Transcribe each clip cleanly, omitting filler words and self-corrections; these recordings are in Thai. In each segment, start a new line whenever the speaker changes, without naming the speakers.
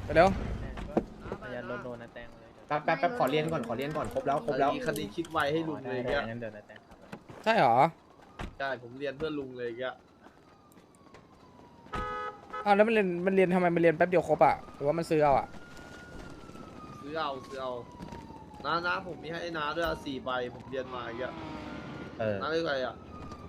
เดี๋ยว
อย่าโดนนะแตงเลย
แป๊บขอเรียนก่อนครบแล้ว
คดีคิดไวให้ลุงเลย
ได้
แก
งั้นเดี๋ยวนะแตงครับ
ใช่เหรอ
ใช่ผมเรียนเพื่อลุงเลยแก
อ้าวแล้วมันเรียนทำไมมันเรียนแป๊บเดียวครบอ่ะหรือว่ามันซื้อเอาอ่ะ
ซื้อเอาน้าผมมีให้น้าด้วย4 ใบผมเรียนมาแก น้าเรียกอะไรอ่ะ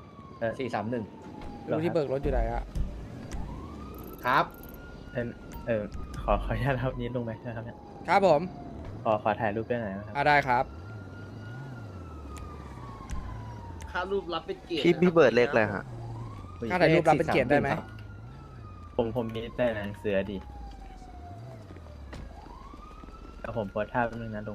431
รู้ที่เบิกรถอยู่ไหนอ่ะ
ครับ
ขออนุญาตครับนี้ลงไหมนะครับเนี่ย
ครับผม
ขอถ่ายรูปด้วยหน่อยนะครับ
ได้ครับ
ค่ารูปรับเป็นเกียรติ
พี่เบิร์ดเลขอะไรฮะ
ค่าถ่ายรูปรับเป็นเกียรติได้ไหม
ผมมีแต่หนังเสือดีแล้วผมโพสท่าแป๊บนึงนะลุง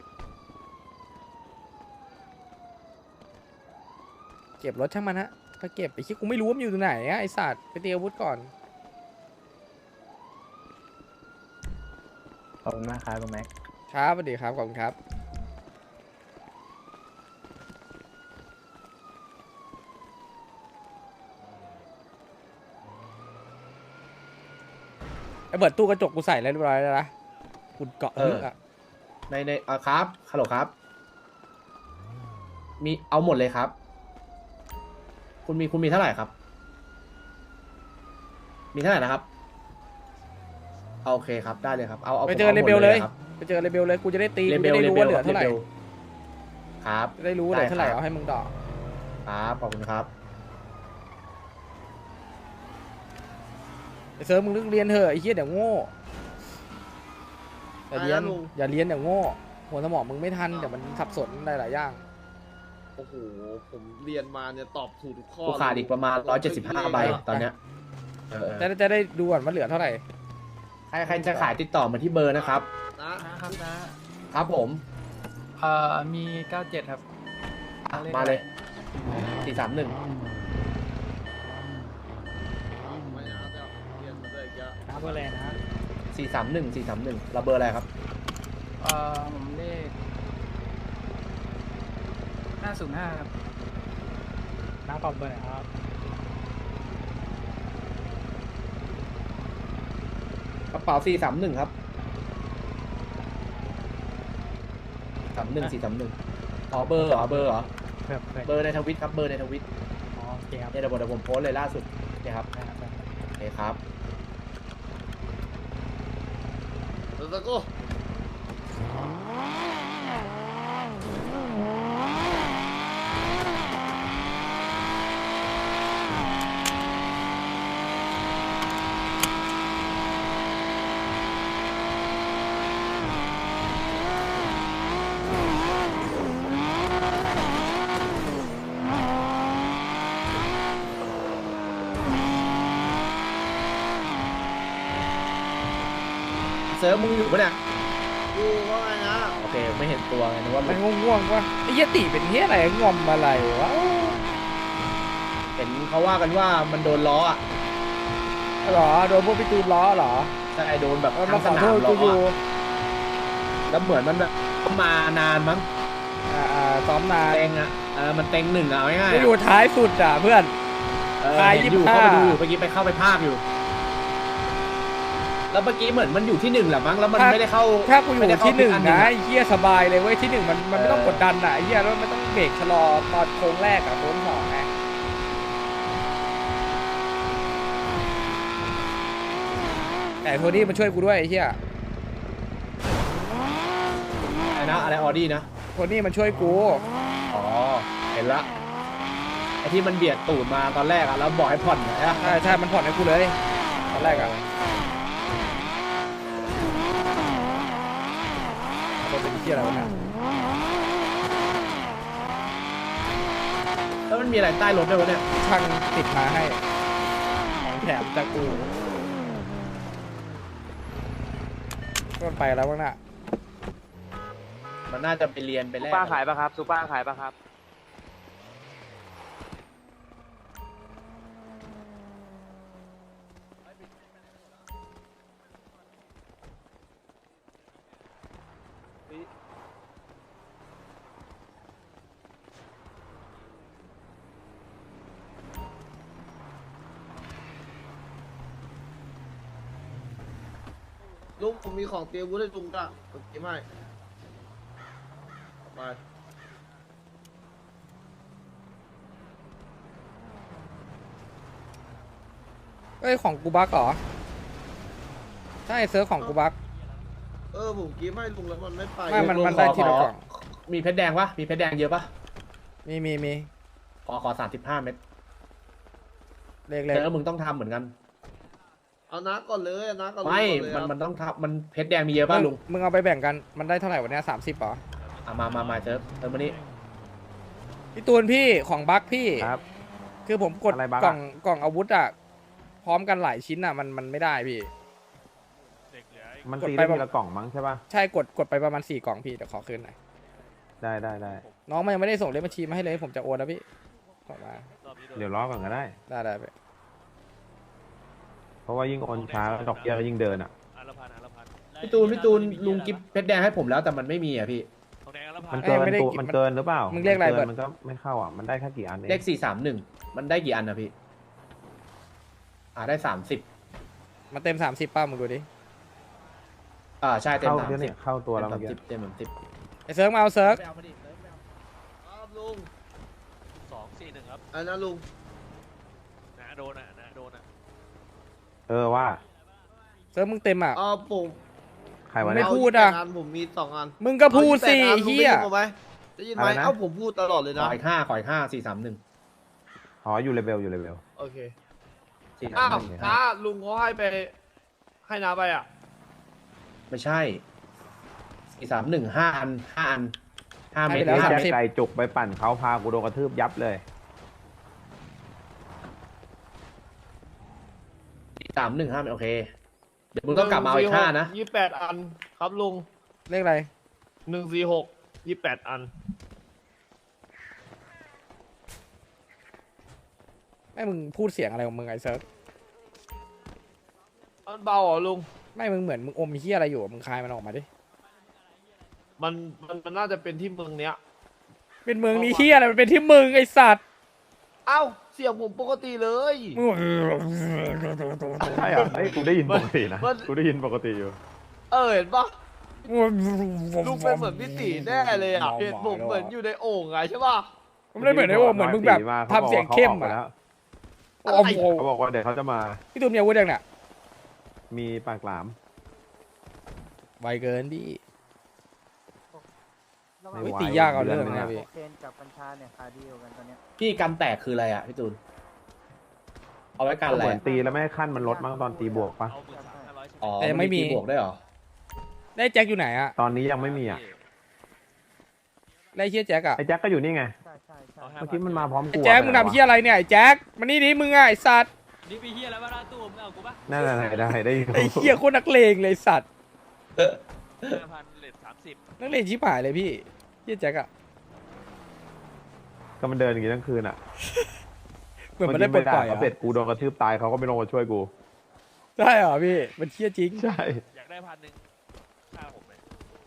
เก็บรถช่างมันฮะก็เก็บไปคิดกูไม่รู้ว่ามันอยู่ตรงไหนอะไอสัตว์ไปเตรียมอาวุธก่อน
ขอบคุณมากครับลุงแม็ก
ครับสวัสดีครับขอบคุณครับไอเบิร์ดตู้กระจกกูใส่แล้วเรียบร้อยแล้วนะคุณเกาะเออ
ในครับฮัลโหลครับมีเอาหมดเลยครับ คุณมีเท่าไหร่ครับ มีเท่าไหร่นะครับโอเคครับได้เลยครับเอา
ไปเจอ
ผม
เร
อาหม
เบ
ด
ลเลย
ครับ
ไปเจอเรเบลเลยกูจะได้ตี
เร
กู
เบ
จะ
ล
ได้รู้ว่าเหลือเท่าไหร่
ครับ
จะได้รู้ว่าเหลือเท่าไหร่
ได้ครับ
เอาให้มึงดอก
ครับขอบคุณครับ
ไอเซิร์ฟมึงเลิกเรียนเถอะไอ้เหี้ยเดี๋ยวโง่อย่าเรียน
อะไรนะลุง
อย่าเรียนเดี๋ยวโง่หัวสมองมึงไม่ทันเดี๋ยวมันสับสนได้หลายอย่าง
โอ้โหผมเรียนมาเนี่ยตอบถูกทุกข้อ
กูขาดอีกประมาณ175ใบตอนเนี้ย
จะได้ดูก่อนว่าเหลือเท่าไหร่
ใครจะขายติดต่อมาที่เบอร์นะครับ
นะครับนะครับ
ผม
มี 97 ครับ
มาเลย431
ไม่นะเดี๋ยวเรียนมาด้วยแก
ครับอะไรนะ
431เราเบอร์อะไรครับ
ผมเลข 505 ครับน้าตอบเบอร์ไหนครับ
กระเป๋า431ครับ431อ๋อเบอร์เหรอเบอร์ในทวิตครับเบอร์ในทวิต
อ๋อโอเคครับ
เนี่ยเดี๋ยวผมโพสต์เลยล่าสุดเนี่ยครับโอเคครับ
แล้วก็
เซิร์ฟมึงอยู่ปะเนี่ย
ดูว่าไงนะ
โอเคไม่เห็นตัวไงนึกว่า
มันง่วงๆวะไอ้เหี้ยติเป็นเหี้ยอะไรงอมอะไรวะ
เห็นเขาว่ากันว่ามันโดนล้ออ่ะ
หรอโดนพวกพี่ตูนล้อเหรอ
ใช่โดนแบบ
มา
ทั้ง
ข
ส
อโท
นาม
ษ
ล้
กูอยู่
ออะแล้วเหมือนมันแบบมานานมั้ง
ซ้อมนาน
เต็งอ่ะมันเต็ง1อ่ะเอาง่าย
กูอยู่ท้ายสุดอ่ะเพื่อน ท้าย
เห็นอยู่
25
เข้าไปดูอยู่เมื่อกี้ไปเข้าไปภาคอยู่ แล้วเมื่อกี้เหมือนมันอยู่ที่1แหละมั้งแล้วมันไม่ได้เข้า
ถ้ากูอยู่
ไม่ได้เข้า
ที่หนึ่ง
อั
นะ
อะ
ไอ้เหี้ยสบายเลยเว้ยที่หนึ่งมันไม่ต้องกดดันอ่ะไอ้เหี้ยแล้วไม่ต้องเบรกชะลอตอนโค้งแรกอ่ะโค้งสองไงแต่โทนี่มันช่วยกูด้วยไอ้เหี้ย
อะไรออดี้นะ
โทนี่มันช่วยกู
อ๋อเห็นละไอที่มันเบียดตูดมาตอนแรกอ่ะแล้วบอกให้ผ่อนนะ
ใช่มันผ่อนให้กูเลยตอนแรกอ่ะมันเป็นเหี้ยอะไรวะเนี่ย
แล้วมันมีอะไรใต้รถด้วยวะเนี่ย
ช่างติดมาให้ของแถมจากกูก็ไปแล้วบ้างน่ะ
มันน่าจะไปเรียนไป
ซู
แลก
เปอร์ขายปะครับซูเปอร์ขายปะครับ
ลุงผมมีของเตรียมวุ้นให้ลุงจ้ะผมเตรียมให้ไป
เอ้ยของกูบักเหรอใช่เซิร์ฟของกูบัก
ผมกิฟให้ลุงแล้วมันไม่ไป
ไม่มันได้ทีละกล่อง
มีเพชรแดงปะมีเพชรแดงเยอะปะ
มี
ขอ35 เม็ด
เลข
เจอมึงต้องทำเหมือนกัน
เอาน้าก่อนเลยเอาน้าก่อนเลย
ไม่
ก่อนเลย
มันต้องทำมันเพชรแดงมีเยอะป่ะลุง
มึงเอาไปแบ่งกันมันได้เท่าไหร่วันนี้30เหรอ
มาเจอมานี่
พี่ตูนพี่ของบักพี่
ครับ
คือผมกด
อะไรบั๊ก
กล่
อะ
องอาวุธอ่ะพร้อมกันหลายชิ้นอ่ะมันไม่ได้พี่
มัน
กด
ตี
ไป
ได้ทีละกล่องมั้งใช่ป่ะ
ใช่กดไปประมาณ4 กล่องพี่เดี๋ยวขอคืนหน่อย
ได้
น้องมันยังไม่ได้ส่งเลขบัญชีมาให้เลยผมจะโอนแล้วพี่ส่งมา
เดี๋ยวล้อก่อนก็ได้
ได้ไป
เพราะว่ายิ่งโอนช้าดอกเบี้ยก็ยิ่งเดินอ่ะ
พี่ตูนลุงกิฟเพชรแดงให้ผมแล้วแต่มันไม่มีอ่ะพี่
มันเกินตัวมันเกินหรือเปล่า
มึงเรียกอะไร
กิ
เบิร์
น
ด
มันก็ไม่เข้าอ่ะ มันได้แค่กี่อันเอง
เลข431มันได้กี่อันนะพี่ได้30
มาเต็ม30ป้ามึงดูดิ
ใช่เต็ม
เข้า
30
เดี๋ยวเนี่ยเข้าตัวแล้วเมื่อกี้
เต็ม30
ไอเซิร์ฟมาเอาเซิร์ฟ
ครับลุง
241ครับ
อันนั้นลุง
นะโดนอ่ะนะโดนอ่ะ
ว่า
เซิร์ฟมึงเต็มอ่ะ
ผม
ใครวะ
ไม่
เนี่ย
พูดอะ
เา28นผมมี2 อัน
มึงก็พูดสิ
อา28
เฮีย
ลุงได้ยินผมไหมได้ยินไหม
อะไรนะ
ผมพูดตลอดเลย
ข
นะ
ออีก431
อ๋ออยู่เลเวลอยู่เลเวล
โอเค
431
อ้าวน้าลุงเขาให้น้าไปอ่ะ
ไม่ใช่431 5 อัน5 เม็ด
ให้ไปแล้ว
นี่
30
แจ็คไก่จุกไปปั่นเขาพากูโดนกระทืบยับเลย
315เม็ดโอเคเดี๋ยวมึงต้องกลับมาเอาอีก5นะ
28 อันครับลุง
เลขอะไร
146 28 อัน
ไม่มึงพูดเสียงอะไรของมึงไอเซิร์ฟ
มันเบาเหรอลุง
ไม่มึงเหมือนมึงอมเฮียอะไรอยู่อะมึงคายมันออกมาดิ
มันน่าจะเป็นที่เมืองเนี้ย
เป็นเมืองนี้เฮียอะไรมันเป็นที่มึงไอสัตว์
เอ้าเสียงผมปกติเลย
มึง
ใช่เหรอเอ้ยกูได้ยินปกตินะ
มัน
กูได้ยินปกติอยู่
เห็นปะลุงเป็นเหมือนพี่ตีแน่เลยอ่ะเห็นผมเหมือนอยู่ในโอ่งไงใช่ปะ
ไม่ได้เหมือนไอ้โอมเหมือนมึงแบบทำเสียงเข้ม
อะ
อ่ะ
เขา
โอ้โห
บอกว่าเดี๋ยวเขาจะมา
พี่ตูนมีอาวุธยังเนี่ย
มีปากหลาม
ไวเกินพี่
ไม่
วิ
ไหว
ตียากเอาเรื่อง
ดื
นะ
ง
พี่
เคนกับกัญชาเนี่ยขายดีกว่ากันตอนเนี้ย
พี่กันแตกคืออะไรอ่ะพี่ตูนเอาไว้กัน
ก็
อะไร
เหมือน
อะ
ตีแล้วไม่ให้ขั้นมันลดมั้งตอนตีบวกปะ
เอา13,500
อ๋อ
แต่ยังไม่มี
ตีบวกได้วยเหรอ
ได้แจ็คอยู่ไหนอ่ะ
ตอนนี้ยังไม่มีอ่ะ
ได้เฮียแจ็คอ่ะ
ไอ้แจ็คก็อยู่นี่ไง
ใช่ใช่ใช่
เอา
เมื่อกี้มันมาพร้อม
ไอ้
กู
แจ็คมึงทำเฮียอะไรเนี่ยไอ้แจ็คมานี่ดิมึงอ่ะไอ้สัตว์
นี่ไปเฮียแล้วว่าหน้าตู้มึงเอากูปะ
นั่นแหละได้อยู่
ไอ้เฮียโคตรนักเลงเลยไอ้สัตว์
5,000เลท30
นักเลงชิบหายเลยพี่เฮียแจ็คอ่ะ
ก็มันเดินอย่างนี้ทั้งคืนอ่ะ
เหมือนมันได้ปลดปล่อย
เขา
อ่ะ
เสร็จกูโดนกระทืบตายเขาก็ไม่ลงมาช่วยกู
ใช่เหรอพี่มันเฮียจริง
ใช่
อยากได้1,000ค่าผมเลย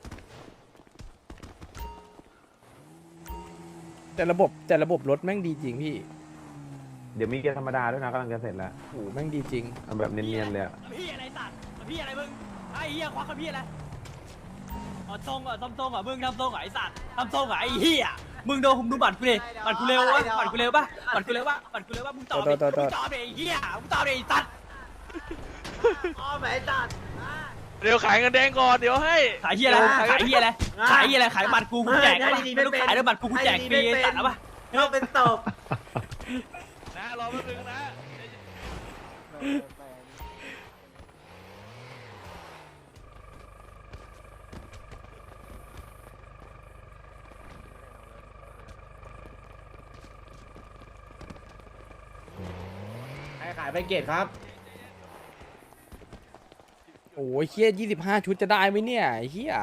แต่ระบบรถแม่งดีจริงพี่
เดี๋ยวมีเกียร์ธรรมดาด้วยนะกำลังจะเสร็จแล้ว
โอ้โหแม่งดีจริง
เอาแบบเนียนๆเลยอะ
พี่อะไรสัตว์พี่อะไรมึงไอ้เฮียควักกับพี่อะไรอ๋อทรงเหรอทำทรงเหรอมึงทำทรงเหรอไอ้สัตว์ทำทรงเหรอไอ้เฮียมึงดูบัตรกูดิบัตรกูเร็ววะบัตรกูเร็วปะบัตรกูเร็วปะบัตรกูเร็วปะมึงตอบดิมึงตอบดิไอ้เฮียมึงตอบดิไอ้สัตว์
อ๋อแหมจัด
เดี๋ยวขายเงินแดงก่อนเดี๋ยวให้
ขายเฮียอะไรขายเฮียอะไรขายเฮียอะไรขายบัตรกูแจกปะไม่ต้องขายด้วยบัตรกูแจกฟรีไอ้สัตว์เอาปะ
เราเป็นตบ
นะรอแป๊บนึงนะ
ให้ขายไปเกตครับ
โอ้ยเฮีย25 ชุดจะได้ไหมเนี่ยไอ้เฮีย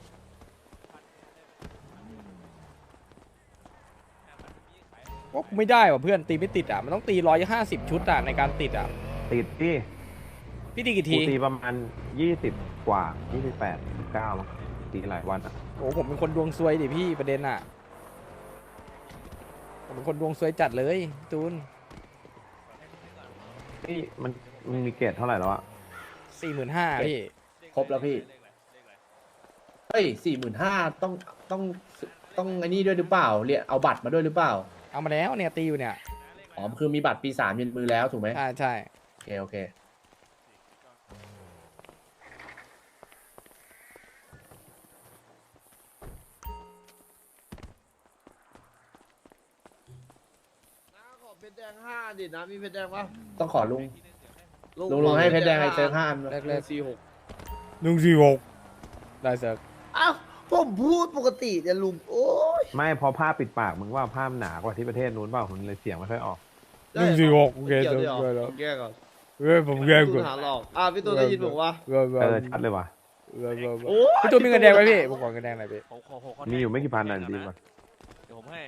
ก็ไม่ได้ว่ะเพื่อนตีไม่ติดอ่ะมันต้องตี150 ชุดอ่ะในการติดอ่ะ
ติดที่
พี่ตีกี่
กู
ที
ตีประมาณ20 กว่า 28 29มั้งตีหลายวันอ่ะ
โอ้ผมเป็นคนดวงซวยดิพี่ประเด็นอ่ะผมเป็นคนดวงซวยจัดเลยตูน
นี่มันมีเกรดเท่าไหร่แล้วอ่ะ
45,000พี่
ครบแล้วพี่เฮ้ย45,000ต้องไอ้นี่ด้วยหรือเปล่าเรียกเอาบัตรมาด้วยหรือเปล่า
เอามาแล้วเนี่ยตีอยู่เนี่ย
อ๋อคือมีบัตรปี3ยืนมือแล้วถูกไหม
ใช่ใช่
โอเค
น้าขอเพชรแดง5ดินะมีเพชรแดงปะ
ต้องขอลุงให้เพชรแดงไอ้เซิร์ฟ5
แรกแรก
46
146ได้เซิร์ฟ
อ้าวผมพูดปกติเนี่ยลุงโอ้ย
ไม่เพอผ้าปิดปากมึงว่าผ้ามันหนากว่าที่ประเทศนู้นเปล่าคุณเลยเสียงไม่ค่อยออก
146โอเค
เกี่ยว
เซิร์ฟ
ด้วยเหร
ได้
อ
แล้ว
ผมแก้ก่อน
เฮ้ยผมแย่
พี่ตู
ก่อน
นหาหลอกพี่ตูนได้ยินผมว่า
ชัดเลยว่ะ
โอ้ย
พี่ตูนมีเงินแดงไหมพี่ผมขอเงินแดงหน่อยพี่
ผมขอ
มีอยู่ไม่กี่พันน่ะดีกว่า
เดี๋ยวผมให้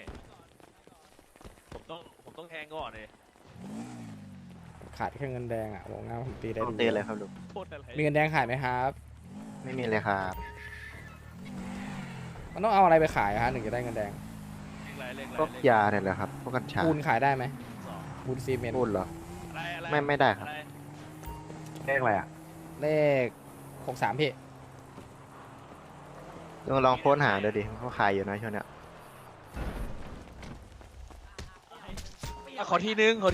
ผมต้องแทงก่อนเลย
ขาดแค่เงินแดงอ่ะบอกง่ายผมตีได้
ต้องเตือนเลยครับลุง
โทษอะไร
มีเงินแดงขายไหมครับ
ไม่มีเลยครับ
มันต้องเอาอะไรไปขายฮะถึงจะได้เงินแดง
พวกยาเนี่ยแหละครับ พวกกัญชา
ปูนขายได้ไหมปูนซีเมนต์
พูดเหรอ ไม่ได้ครับ
เลขอะไรอ่ะ
เลข63พี่
ลุงลองโพสต์หาดูดิเขาขายอยู่นะช่วงเนี้ย
ขอทีนึง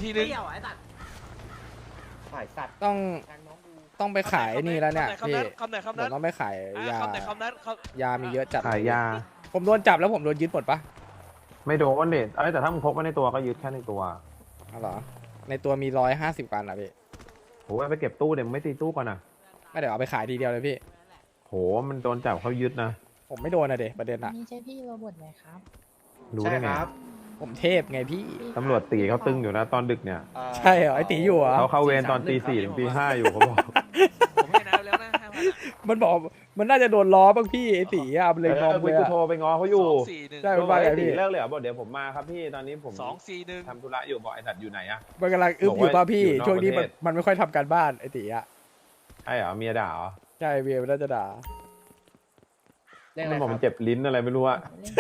ขายสัตว์
ต้องไปขายนี่แล้วเนี่ย
คำ
พี่
นั้นคำไหนคำ
ผ
นั้
ม
น
ต้องไปขายยา
คำไหนคำนั้นค
ยามีเยอะจัด
ขายยา
ผมโดนจับแล้วผมโดนยึดหมดปะ
ไม่โดนเด็ดแต่ถ้ามึงพกไว้ในตัวก็ยึดแค่ในตัว
อ๋อเหรอในตัวมี150กันอ่ะพี่
โหไปเก็บตู้เดี๋ยวมึงไม่ตีตู้ก่อนนะ
ไม่เดี๋ยวเอาไปขายทีเดียวเลยพี่
โหมันโดนจับเขายึดนะ
ผมไม่โดนอะเดประเด็นอะ
นี่ใช่พี่โรบอทไหมครับ
รู้
ใช่
ได้ไง
ครับ
ผมเทพไงพี่
ตำรวจตีเขาตึงอยู่นะตอนดึกเนี่ย
ใช่เหรอไอตีอยู่เหรอ
เขาเข้าเวรตอนตี 4 ถึงตี 5อยู่เขาบอก
ผมให้น้ำแล้วนะ5,000
มันบอกมันน่าจะโดนล้อบ้างพี่ไอตีอะมันเลยงอมเลย
กู
อะ
โทรไปง้อเขาอยู่
ใช่
241
มันว่าไงพี่
ตีเลิกเลยเหรอบอกเดี๋ยวผมมาครับพี่ตอนนี้ผม
241
ทำธุระอยู่บอกไอ้สัตว์อยู่ไหนอะ
มันกำลังอึบอยู่ป่ะพี่
บอกว่าอยู่นอก
ช่วงนี้
ประเทศ
มันไม่ค่อยทำการบ้านไอตีอะ
ใช่เหรอเมียด่าเหรอ
ใช่เวียมันน่าจะด่า
เรียกอะ
มั
ไร
นบอก
ค
มั
Dạ.
นเจ็บลิ้นอะไรไม่รู้อะ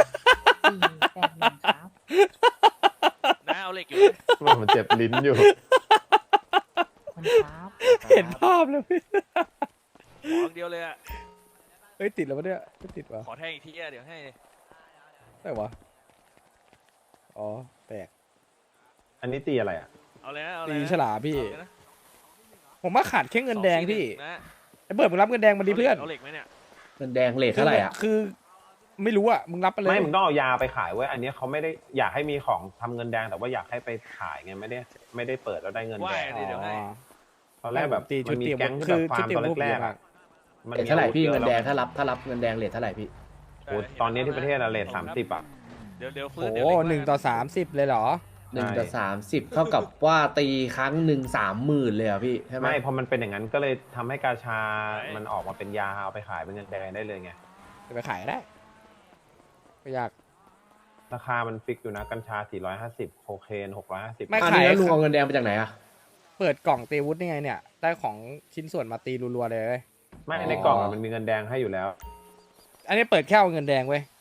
481ครับ
นะเอาเหล็กอยู่
มันบอกมันเจ็บลิ้นอยู่
คนครับ
เห็นภาพเลยพี่
ขออย่างเดียวเลยอะ
เฮ้ยติดแล้ววะเนี่ยไม่ติดวะ
ขอแทงอีกทีอะเดี๋ยวให้
ได้วะอ๋อแตก
อันนี้ตีอะไรอะ
เอาเลยนะเอาเลย
ตี
นะ
ฉลามพี่
เอาเลยนะ
ผมว่าขาดแค่เงินแดงพี่
241นะ
ไอ้เบิร์ดมึงรับเงินแดงมาดิเพื่อน
เอาเหล็กไหมเนี่ย
เงินแดงเลทเท่าไหร่อ่ะ
คือไม่รู้อะมึงรับไปเลย
ไม่มึงต้องเอายาไปขายเว้ยอันนี้เขาไม่ได้อยากให้มีของทำเงินแดงแต่ว่าอยากให้ไปขายไงไม่ได้เปิดแล้วได้เงินแดง
ว่า
อ๋อ
ตอนแรกแบบ
ตีชุ
มั
ด
นมี
เตรียม
แก๊ง
คื
ที่
อ
แบบฟาร์ม
ชุดเตรียม
ตอน
พวก
แรก
เยอะ
ๆ
มา
อะ
ก
มัน
เลทเท่าไหร่พี่
อ
เงิ
วุธ
นแดง
ยอะ
ถ้ารับเงินแดงเลทเท่าไหร่พี่
โอ้ตอนนี้ที่ประเทศอะเลท30อะ
เดี๋ยวฟื้
โอ้
น
โห
เดี๋ยวเหล็ก
1/30เลยเหรอ
1/30 เท่ากับว่าตีครั้งหนึ่ง30,000เลยอ่ะพี่ใช่ไหม
ไม่พอมันเป็นอย่างนั้นก็เลยทำให้กาชามันออกมาเป็นยาเอาไปขายเป็นเงินแดงได้เลยไง
จะไปขายก็ได้ไม่อยาก
ราคามันฟิกอยู่นะกัญชา450โคเคน650
ไม่
อัน
ขาย
นี้แล้วลุงเอาเงินแดงมาจากไหนอ่ะ
เปิดกล่องตีวุฒินี่ไงเนี่ย ได้ของชิ้นส่วนมาตีรัวๆเลยเว้ย
ไม่ในกล่องอะมันมีเงินแดงให้อยู่แล้ว
อันนี้เปิดแค่เอาเงินแดงเว้ย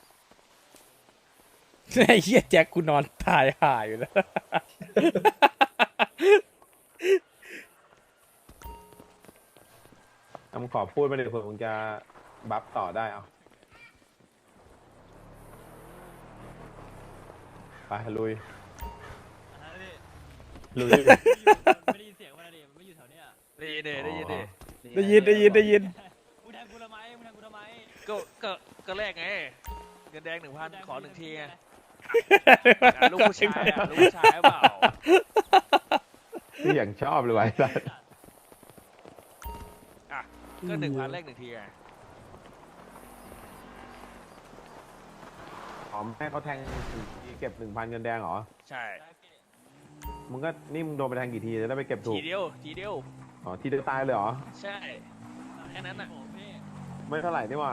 ไอ้เหี้ยแจ็คกูนอนตายห่าอยู่แล้ว
มึงขอพูดมาเดี๋ยวเผื่อมึงจะบัฟต่อได้เอาไปลุยลุย
ไม่ได้ยินเสียงมันดิมันไม่อยู่แถวเนี้ย
ได้ยินดิได้ยินดิ
ได้ยิน
มึงแทงกูทำไมมึงแทงกูทำไม
ก็แรกไง เงินแดง 1,000 ขอ1 ทีไงลูกผู้ชายอะลูกผู้ชายหรือเปล่า
ที่อย่างชอบเลยไว้สัส
อ่ะก็1,000แรก1 ทีไง
หอมให้เขาแทงเก็บ 1,000 เงินแดงเหรอ
ใช่
มึงก็นี่มึงโดนไปแทงกี่ทีจะได้ไปเก็บถู
ที
ก
เดียวทีเดียว
อ๋อทีเดียวตายเลยเหรอ
ใช่แค่นั้นน่ะ
โอ้พี่
ไม่เท่าไหร่นี่หว่า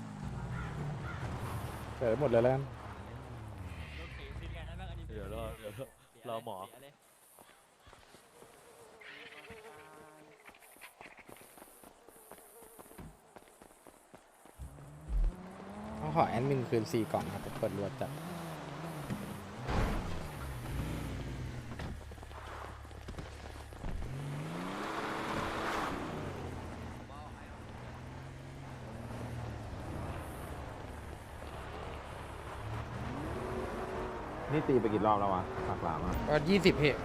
เปิดหมดเลยแล้วกัน
รถเข็นซินไงนั่นแม่งอันนี้
เดี๋ยวรอหมอ
ต้องขอแอดมินคืน4 กล่องครับเปิดรวดจัด
นี่ตีไปกี่รอบแล้ววะปากหลามอ่ะ
ก็20พี่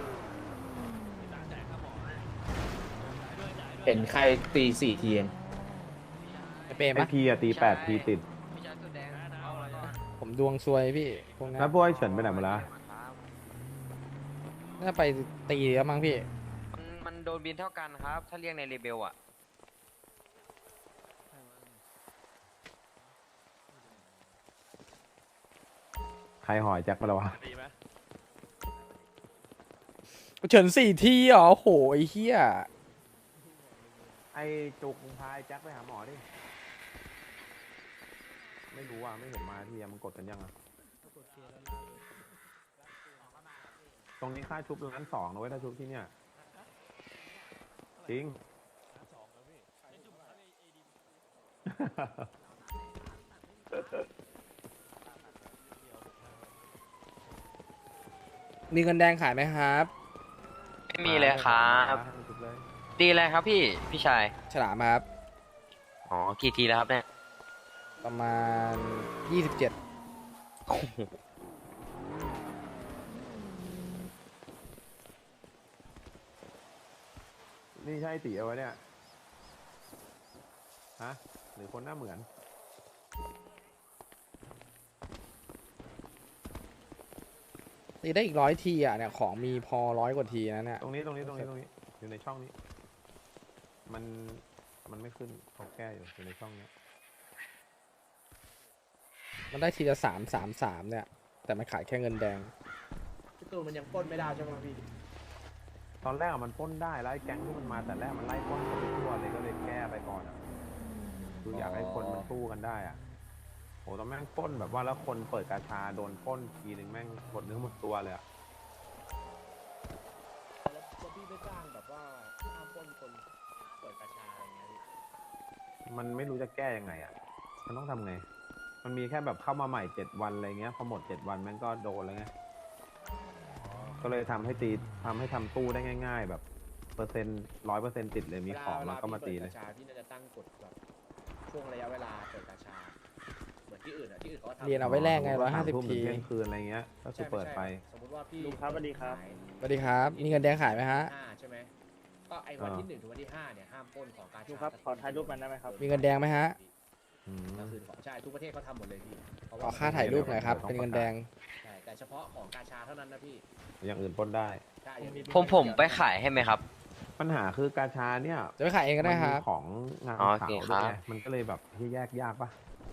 เห็นใครตี4 ทีเอง
ไอเปรม
ไอ
ปะ
พีอะตี8 ทีติด
ผมดวงซวยพี่พวกนั้น
แล้วพวกไอเฉินไปไหนหมดละ
น่าไปตีแล้วมั้งพี่
มันโดนบินเท่ากันครับ ถ้าเรียกในเรเบลอ่ะ
ใครหอยแจ็คไปแล้ววะ
ดีไหม
เฉิน4 ทีเหรอโหไอ้เหี้ย
ไอจุกมึงพาไอแจ็คไปหาหมอดิ ไม่รู้อ่ะ ไม่เห็นมาที่มันกดกันยังอ่ะ ตรงนี้ค่าชุบ1,200,000นะเว้ยถ้าชุบที่เนี่ย จริง
มีเงินแดงขายไหมครับ
ไม่มีเลยครับ
ชุบเลย
ตีอะไรครับพี่ชาย
ฉลามครับ
อ๋อ กี่ทีแล้วครับเนี่ย
ประมาณ 27
นี่ใช่ตีเอาไว้เนี่ย ฮะ หรือคนหน้าเหมือน
ตีได้อีก100 ทีอ่ะเนี่ยของมีพอ100 กว่าทีนะเนี่ย
ตรงนี้ อยู่ในช่องนี้ มันไม่ขึ้นเขาแก้อยู่ในช่องนี้
มันได้ทีละ333เนี่ย แต่มันขายแค่เงินแดง
พี่ตูนมันยังปล้นไม่ได้ใช่ไหมพี่
ตอนแรกอะมันปล้นได้แล้วไอ้แก๊งที่มันมาแต่แรกมันไล่ปล้นคนไปทั่วเลยก็เลยแก้ไปก่อนอะคืออยากให้คนมันสู้กันได้อะโหตอนแม่งปล้นแบบว่าแล้วคนเปิดกาชาโดนปล้นทีนึงแม่งหมดเนื้อหมดตัวเลยอะ
แล้วพี่ไม่จ้างแบบว่าห้ามปล้นคนเปิดกระชาอะไรเงี้ยพี่
มันไม่รู้จะแก้ยังไงอะมันต้องทำไง มันมีแค่แบบเข้ามาใหม่7 วันอะไรเงี้ยพอหมด7 วันแม่งก็โดนแล้วไงก็เลยทำให้ทำตู้ได้ง่าย ๆ แบบ100%ติดเลยมีของแล้วก็มาตีเลย
วาพี่เปิดกระชาพี่น่าจะตั้งกฎแบบช่วงระยะเวลาเปิดกระชา เหมือนที่อื่นอ่ะที่อื่นเขาก็ทำ
เรียนเอาไว้แลกไง
ทุ่ม
150
ถึ
ที
งเที่ยงคืนอะไรเงี้ยก็คือเปิดไป
สมมติว่าพี่
ลุงครับสวัสดีครับ
สวัสดีครับ มีเงินแดงขายไหมฮะ
5ใช่ไหมก็ไอ้วันที่1ถึงวันที่5เนี่ยห้ามปล้นของกาชา
ลุงครับขอถ่ายรูปมันได้ไหมครับ
มีเงินแดงไหมฮะ
อืม
ก็คือของใช่ทุกประเทศเขาทำหมดเลยพี่เพระ
ข
ว่
อค่าถ่ายรูปหน่อยครับ เป็นเงินแดง
ใช่แต่เฉพาะของกาชาเท่านั้นนะพี่
อย่างอื่นปล้นได้
ใช่อย่างนี้
ผมไปขายให้ไหมครับ
ปัญหาคือกาชาเนี่ย
จะไปขายเองก็ได้ครับ
มันมีของงาน
อ๋อ
ขาว
โอเค
ด้วย
ครั
ไง
บ
มันก็เลยแบบที่แยกยากปะ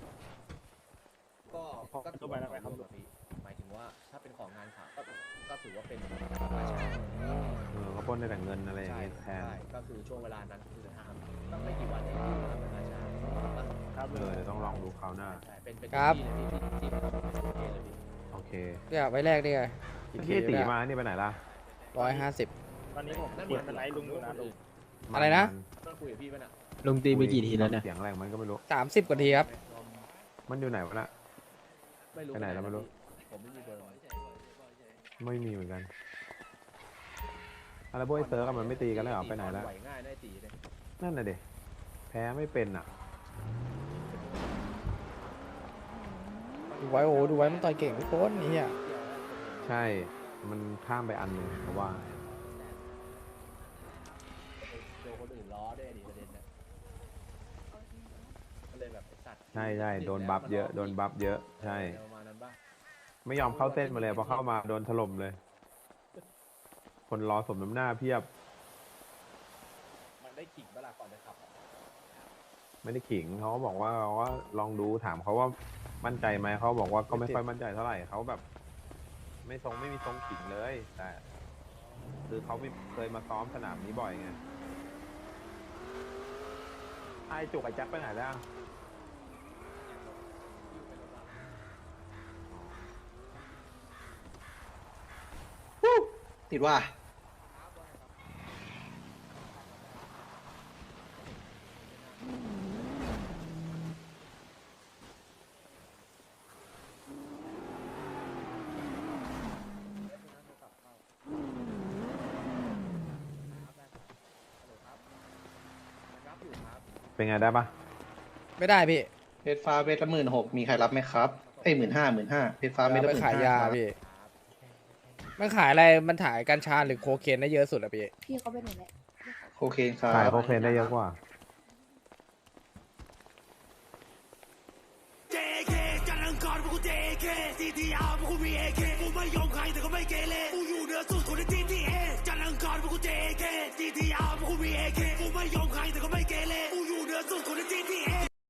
ก็ถือว่าเป็นของพี่หมายถึงว่าถ้าเป็นของงานข่าวก็ถือว่าเป็นกาชา
เขาปล้นได้แต่เงินอะไรอย่าง
ใช่
เงี้ยแทน
ใช่ก็คือช่วงเวลานั้นคือห้ามต้องไม่กี่วันเองที่ทำเป็นกาชาครับ
เดี๋ยวต้องลองดูคราวหน้า
ใช่เป็น
ครับ
ที่เลยที่ทำเป็นประเทศเลยพี่
โอเค
เนี่ยไว้แรกนี่ไง
เมื่อกี้ตีมานี่ไปไหนล่ะ
150
ตอนนี้ผมเปลี่ยนเป็นไลท์ลุงอยู่นะลุง
อะไรนะ
ต้องคุยกับพี่ป่ะน่ะ
ลุงตีไปกี่ทีแล้วเนี่ยเสียงอะไรของมันก็ไม่รู้
30 กว่าทีครับ
มันอยู่ไหนวะน่ะ
ไม่รู้
ไปไหนแล้วไม่รู้
ผมไม่มีเบอร์
ไม่มีเหมือนกันอะไรพวกไอ้เซิร์ฟอะมันไม่ตีกันแล้วเหรอไปไหนแล้ว
ไหวง่ายได้ตีเลย
นั่นน่ะเด็แพ้ไม่เป็นอ่ะ
ดูไว้โอ้ดูไว้มันต่อยเก่งทุกคนนี่อ่ะ
ใช่ มันข้ามไปอันหนึ่งเพราะว่า
โดนคนอื่นล้อด้วยดิประเด็นนะก็เลยแบบไอ้สัตว์
ใช่ใช่โดนบัฟเยอะโดนบัฟเยอะใช่
ประมาณนั้นป่ะ
ไม่ยอมเข้าเส้นมาเลยพอเข้ามาโดนถล่มเลย คนรอสมน้ำหน้าเพียบ
มันได้ขิงเวลาก่อนจะขับ
ไม่ได้ขิงเขาก็บอกว่าลองดูถามเขาว่ามั่นใจไหมเขาบอกว่าก็ไม่ค่อยมั่นใจเท่าไหร่เขาแบบ ไม่มีทรงขิงเลย แต่ คือเขาไม่เคยมาซ้อมสนามนี้บ่อยไงไอจุกไอแจ็คไปไหนแล้ว
ติดว่า
เป็นไงได้ปะ
ไม่ได้พี่
เพชรฟ้าเม็ดละ16,000มีใครรับไหมครับเอ้ย15,000เพชรฟ้าเม็ด
เอา
ละ
ไปขายยา
15,000
พี่มันขายอะไรมันขายกัญชาหรือโคเคนได้เยอะสุดอะพี่
พี่เขาเป็นหนูแหละ
โคเคนครับ
ขายโคเคนได้เยอะกว่า
JK จันทร์อังคารพวกกู JK CTR พวกกู BAK กูไม่ยอมใครแต่ก็ไม่เกเรกูอยู่เหนือสุดคนใน GTA จันทร์อังคารพวกกู JK CTR พวกกู BAK กูไม่ยอมใครแต่ก็ไม่เกเรกูอยู่เหนือสุดคนใน GTA